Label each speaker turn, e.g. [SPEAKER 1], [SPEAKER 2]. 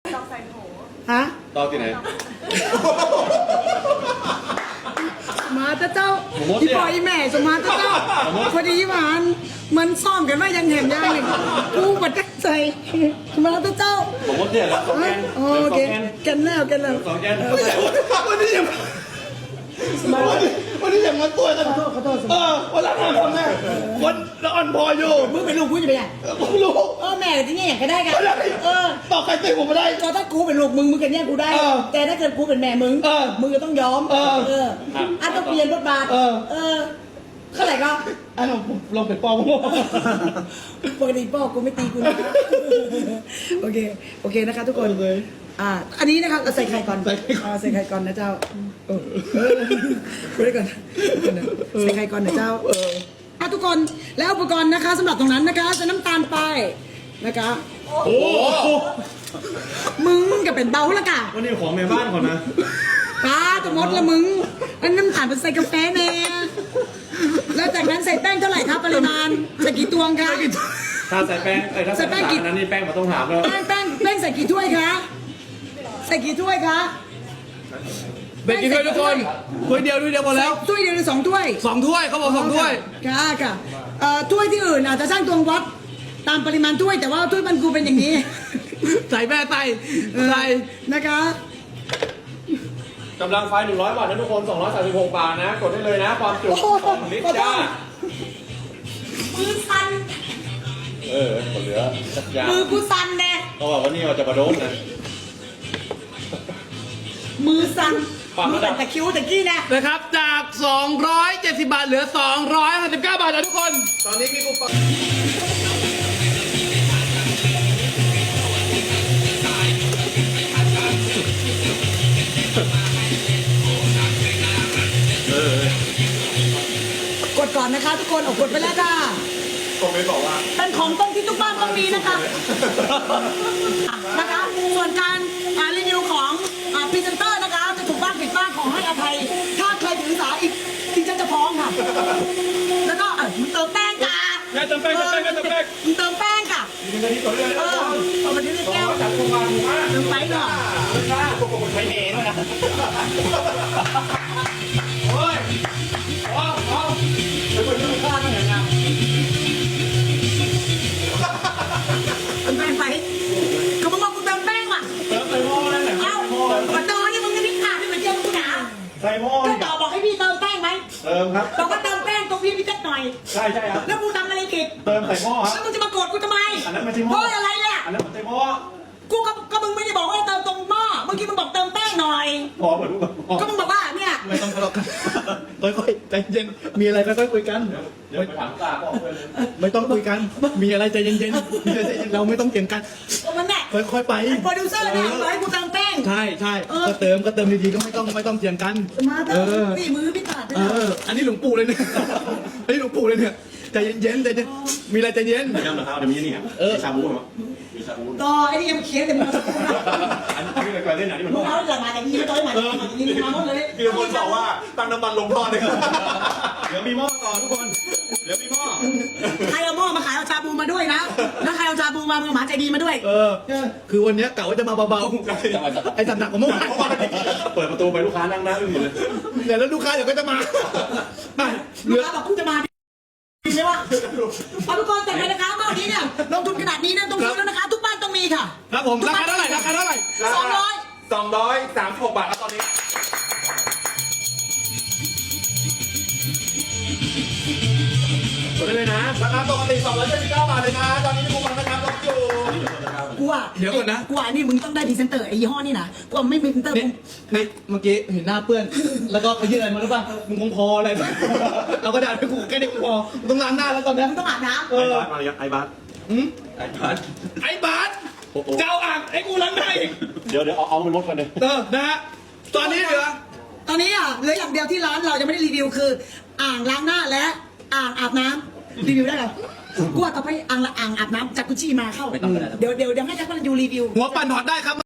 [SPEAKER 1] ดอกใส่โถ
[SPEAKER 2] ฮะ
[SPEAKER 3] ตอกที่ไหน
[SPEAKER 2] มาเจ้าอีปอยแม่สมาเจ้าพอดีหวานมันซ่อมกันว่ายังเห็นยังหนึ่งกูบัดใจมาเจ้า
[SPEAKER 3] ผมว่าเนี่ยแล้วสองแกน
[SPEAKER 2] โอเคกันแล้วกันแล้ว
[SPEAKER 3] สองแกน
[SPEAKER 4] วันนี้ยังวันนี้ยังมาตัวกัน
[SPEAKER 2] ขอโทษ
[SPEAKER 4] วันละ5 คนแม่คนละอ่อนพออยู่
[SPEAKER 2] มึงเป็นลูกกูจะไปยัง
[SPEAKER 4] ผมรู้
[SPEAKER 2] แม่ที่นี่อย่างก็ได้กัน
[SPEAKER 4] ต่อใครตีผมไม่ได้
[SPEAKER 2] ก็ถ้ากูเป็นลูกมึงกันแย่งกูได้ แต่ถ้าเกิดกูเป็นแม่มึงมึงก็ต้องยอมต้องเปลี่ยนบทบาทเท่าไหร่ก็
[SPEAKER 4] อันนั้นผมลงเป็นปอม
[SPEAKER 2] ปกติพ่อกูไม่ตีกูนะโอเคนะคะทุกคนอันนี้นะคะใส่ไข่ก่อนใส่ไข่ก่อนนะเจ้าคุยก่อนใส่ไข่ก่อนนะเจ้าทุกคนแล้วอุปกรณ์นะคะสำหรับตรงนั้นนะคะจะน้ำตาลไปนะคะ
[SPEAKER 3] โอ้
[SPEAKER 2] มึงก็เป็นเบาละกะ
[SPEAKER 3] วันนี้ของแม่บ้านก่อนนะ
[SPEAKER 2] จะมดละมึงอันน้ำตาลเป็นใส่กาแฟแน่แล้วจากนั้นใส่แป้งเท่าไหร่ครับปริมาณใส่กี่ตวงคะ
[SPEAKER 3] ถ้าใส่แป้งถ้าใส่แป้งนั้นนี่แป้งมาต้องถามแล้ว
[SPEAKER 2] แป้งใส่กี่ถ้วยคะใส่กี่ถ้วยคะ
[SPEAKER 4] เบ็ดกินด้วยทุกคนถ้วยเดียวพอแล้ว
[SPEAKER 2] ถ้วยเดียวหรือ2 ถ้วย
[SPEAKER 4] 2 ถ้วยเขาบอก2 ถ้วย
[SPEAKER 2] ค่ะถ้วยที่อื่นอาจจะช่างตวงวัดตามปริมาณถ้วยแต่ว่าถ้วยมันกูเป็นอย่างนี้
[SPEAKER 4] ใส่แม่ใส่
[SPEAKER 2] นะคะ
[SPEAKER 3] กำลังไฟ100 บาทนะทุกคน236 บาทนะกดได้เลยนะความจุ2 ลิตรจ้า
[SPEAKER 2] มือสั่น
[SPEAKER 3] กดเหลือสักอย่าง
[SPEAKER 2] มือกูสั่นแน่
[SPEAKER 3] เขาบอกว่านี่เราจะมาโดนนะ
[SPEAKER 2] มือสั่นมือเป็นตะคิ้วตะกี้แน่
[SPEAKER 4] นะครับจาก270 บาทเหลือ259 บาทนะทุกคนตอนนี้มีคูปอง
[SPEAKER 2] กดก่อนนะคะทุกคนกดไปแล้วค่ะ
[SPEAKER 3] คอมเมนต์บอกว่า
[SPEAKER 2] เป็นของต้องที่ทุกบ้านต้องมีนะคะส่วนการรีวิวของพรีเซนเตอร์นะคะจะถูกบ้างผิดบ้างขอให้อภัยถ้าใครถือสาอีกที่ฉันจะฟ้องค่ะแล้วก็มึงเติมแป้งค่ะ
[SPEAKER 3] เติมแป้ง
[SPEAKER 2] มึงเติมแป้งค่ะ
[SPEAKER 3] มีเงินที่ตัวเลือก
[SPEAKER 2] เอามาที่แก้ว
[SPEAKER 3] จัดโครงการถูกมาก
[SPEAKER 2] เติมไปหน่อย
[SPEAKER 3] ใช้เมย์ด้วยนะโอ้ยแล้วคนที่มีค่าต้องอย่างไร
[SPEAKER 2] เติมแป้งไปก็มึงบอกกูเติมแป้งว่ะ
[SPEAKER 3] เติมใส่หม้อนั่นแหละ
[SPEAKER 2] เอ้ามาเติมนี่มึงจะพิขาดไม่เหมือนเจ้ากูหนา
[SPEAKER 3] ใส่หม้อ
[SPEAKER 2] ก็ต่อบอกให้พี่เติมแป้งไหม
[SPEAKER 3] เติมครับ
[SPEAKER 2] บอกว่าเติมแป้งตรงพี่จัดหน่อย
[SPEAKER 3] ใช่ครับ
[SPEAKER 2] แล้วกูทำอะไรผิด
[SPEAKER 3] เติมใส่หม้อค
[SPEAKER 2] แล้
[SPEAKER 3] รับ
[SPEAKER 2] วมึงจะมาโกรธกูทำไม
[SPEAKER 3] อันนั้นไม่ใช่หม้
[SPEAKER 2] เพ
[SPEAKER 3] อ
[SPEAKER 2] ราะอะไรเนี่ย
[SPEAKER 3] อันนั้นไม่ใช่หม้อ
[SPEAKER 2] กูก็มึงไม่ได้บอกว่าเติมตรงหม้อเมื่อกี้มึงบอกเติมแป้งหน่อย
[SPEAKER 3] พอเหมือนพอ
[SPEAKER 2] ก็มึงบอกว่าเนี่ย
[SPEAKER 4] ไม่ต้องทะเลาะกันค่อยๆใจเย็นมีอะไรค่อยๆคุยกัน
[SPEAKER 3] เดี๋ยวไปถามตาพ่อเพื่อนเลย
[SPEAKER 4] ไม่ต้องคุยกันมีอะไรใจเย็นๆเราไม่ต้องเถียงกัน
[SPEAKER 2] มันแน่
[SPEAKER 4] ค่อยๆไป
[SPEAKER 2] โปรดิวเซอร์เนี่ยบอกให้กูเติมแป้ง
[SPEAKER 4] ใช่ก็เติมดีๆก็ไม่ต้องเถียงกัน
[SPEAKER 2] มาเติมนี่มือพี่ขาดไป
[SPEAKER 4] อันนี้หลวงปู่เลยเนี่ยอันนี้หลวงปู่เลยเนี่ยใจเย็นมีอะไรใจเย็น
[SPEAKER 3] ย้ำนะครับเดี๋ยวมีนี่ครับมีชาบูเหรอมีชาบู
[SPEAKER 2] ต่อไอ้นี่ยังเขียนแต่มึง
[SPEAKER 3] อันนี้เป็นการเล่นหนังที่มัน
[SPEAKER 2] มึงเอาหลังมาแต่ยี่ไม่ต้อยมายี่มาหมดเลย
[SPEAKER 3] คือคนบอกว่าตั้งน้ำมันลงท่อเลยเดี๋ยวมีหม้อต่อทุกคนเดี๋ยวมีหม้อ
[SPEAKER 2] ใครเอาหม้อมาขายเอาชาบูมาด้วยนะแล้วใครเอาชาบูมาหมาใจดีมาด้วย
[SPEAKER 4] คือวันนี้กะว่าจะมาเบาๆไอ้สัตว์หนักกว่าเมื่อวาน
[SPEAKER 3] เปิดประตูไปลูกค้านั่งหน้าอึ้งหมดเลย
[SPEAKER 4] แล้วลูกค้าเดี๋ยวก็จะมา
[SPEAKER 2] ลูกค้าบอกกูจะมาใช่ปะเอาทุกคนแต่ไปนะคะเมื่อกี้เนี่ยลงทุนขนาดนี้นะต้องซื้อแล้วนะคะทุกบ้านต้องมีค่ะ
[SPEAKER 4] ครับผมราคาเท่าไหร่
[SPEAKER 2] 200
[SPEAKER 3] 236 บาทครับตอนนี้กดได้เลยนะราคาปกติ279 บาทเลยนะตอนนี้มีคูปองนะครับลดอยู่
[SPEAKER 2] กูอ่ะ
[SPEAKER 4] เดี๋ยวก่อนนะ
[SPEAKER 2] กูอ่ะนี่มึงต้องได้พรีเซนเตอร์ไอ้ยี่ห้อนี่นะกูไม่มีพรีเซนเตอร์
[SPEAKER 4] นี่เมื่อกี้เห็นหน้าเปื้อน แล้วก็ไปยื่นอะไรมาหรือเปล่ามึงคงพออะไรเอากระดาษไปขู่แค่นี้คงพอต้องล้างหน้าแล้วตอนนี้
[SPEAKER 2] มึงต้องอาบน้
[SPEAKER 3] ไอ้บาสมาเลยไอ้บาส
[SPEAKER 4] ไอ้บาสเจ้าอ่างไอ้กูล้างหน้าอีก
[SPEAKER 3] เดี๋ยวเอามันลดกันเลย
[SPEAKER 4] นะฮะตอนนี้เหลือ
[SPEAKER 2] ำตอนนี้อ่ะเหลืออย่างเดียวที่ร้านเรายังไม่ได้รีวิวคือ อ่างล้างหน้าและอ่างอาบน้ำรีวิวได้เหรอกูว่าต่อไปอ่างอาบน้ำจากกุชชี่มาเข้าเดี๋ยวให้แจ็คพลันยูรีวิว
[SPEAKER 4] หัวปั่นถอดได้ครับ